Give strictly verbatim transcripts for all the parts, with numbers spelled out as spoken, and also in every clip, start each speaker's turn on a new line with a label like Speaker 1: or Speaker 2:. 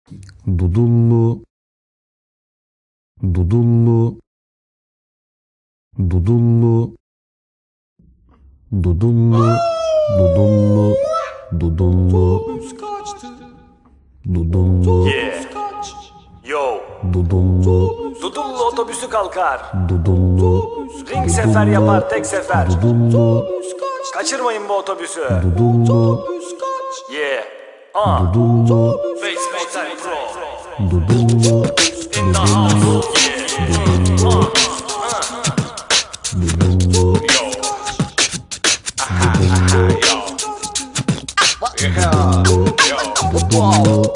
Speaker 1: Dudullu, dudullu, dudullu, dudullu, dudullu, dudullu, dudullu,
Speaker 2: Yeah. Yo.
Speaker 1: dudullu,
Speaker 2: Dudullu otobüsü kalkar.
Speaker 1: dudullu,
Speaker 2: Ring sefer yapar tek sefer.
Speaker 1: dudullu,
Speaker 2: Kaçırmayın bu otobüsü.
Speaker 1: dudullu,
Speaker 2: Yeah. Ah.
Speaker 1: dudullu,
Speaker 2: Basement Time Pro.
Speaker 1: dudullu,
Speaker 2: In the house. Yeah. Ah.
Speaker 1: dudullu,
Speaker 2: Yo.
Speaker 1: dudullu,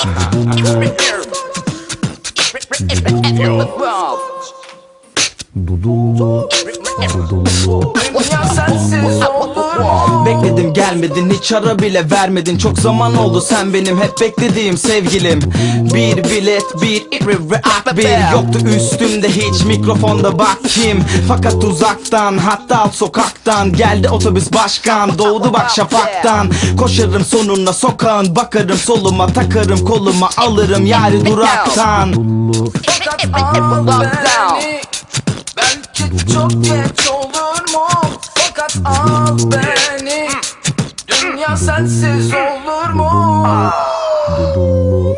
Speaker 1: dudullu, dudullu.
Speaker 3: Dünya sensiz olur.
Speaker 4: Bekledim gelmedin, hiç ara bile vermedin. Çok zaman oldu sen benim hep beklediğim sevgilim. Bir bilet, bir react, bir yoktu üstümde hiç mikrofonda bak kim. Fakat uzaktan, hatta alt sokaktan geldi otobüs başkan. Doğdu bak şafaktan. Koşarım sonuna sokağın, bakarım soluma, takarım koluma, alırım yari duraktan.
Speaker 3: Fakat al beni. Belki çok geç olur mu? Fakat al beni. Dünya sensiz olur mu?
Speaker 1: Dudullu,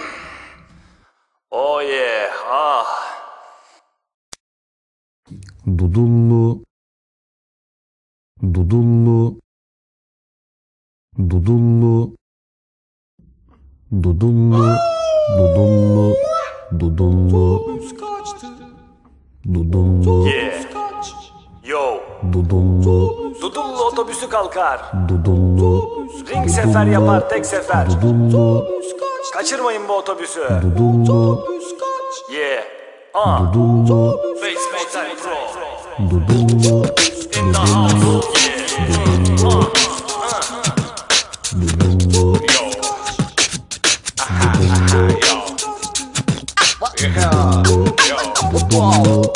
Speaker 2: Oh yeah. Ah.
Speaker 1: dudullu, dudullu, dudullu, dudullu, dudullu, dudullu, dudullu,
Speaker 2: Yeah. Yo.
Speaker 1: dudullu,
Speaker 2: Dudullu otobüsü kalkar.
Speaker 1: dudullu,
Speaker 2: Ring sefer yapar tek sefer.
Speaker 1: dudullu,
Speaker 2: Kaçırmayın bu otobüsü.
Speaker 1: dudullu,
Speaker 2: Yeah. Ah.
Speaker 1: dudullu,
Speaker 2: Basement Time Pro.
Speaker 1: dudullu,
Speaker 2: In the house. Yeah. Ah.
Speaker 1: dudullu,
Speaker 2: Yo.
Speaker 1: dudullu,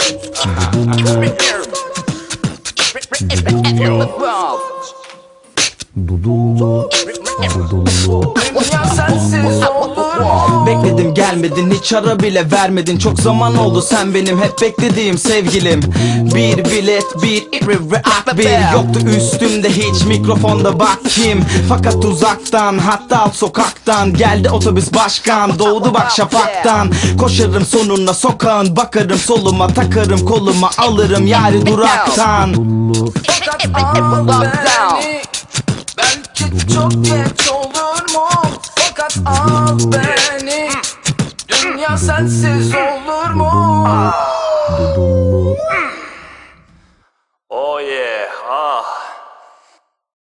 Speaker 1: dudullu, dudullu.
Speaker 3: Dünya sensiz olur.
Speaker 4: Bekledim gelmedin, hiç ara bile vermedin. Çok zaman oldu sen benim hep beklediğim sevgilim. Bir bilet, bir react, bir yoktu üstümde hiç mikrofonda bak kim. Fakat uzaktan, hatta alt sokaktan geldi otobüs başkan. Doğdu bak şafaktan. Koşarım sonuna sokağın, bakarım soluma, takarım koluma, alırım yari duraktan.
Speaker 1: Dudullu,
Speaker 3: Fakat al beni. Belki çok geç olur mu? Fakat al beni. Dünya sensiz olur mu?
Speaker 1: dudullu,
Speaker 2: Oh yeah.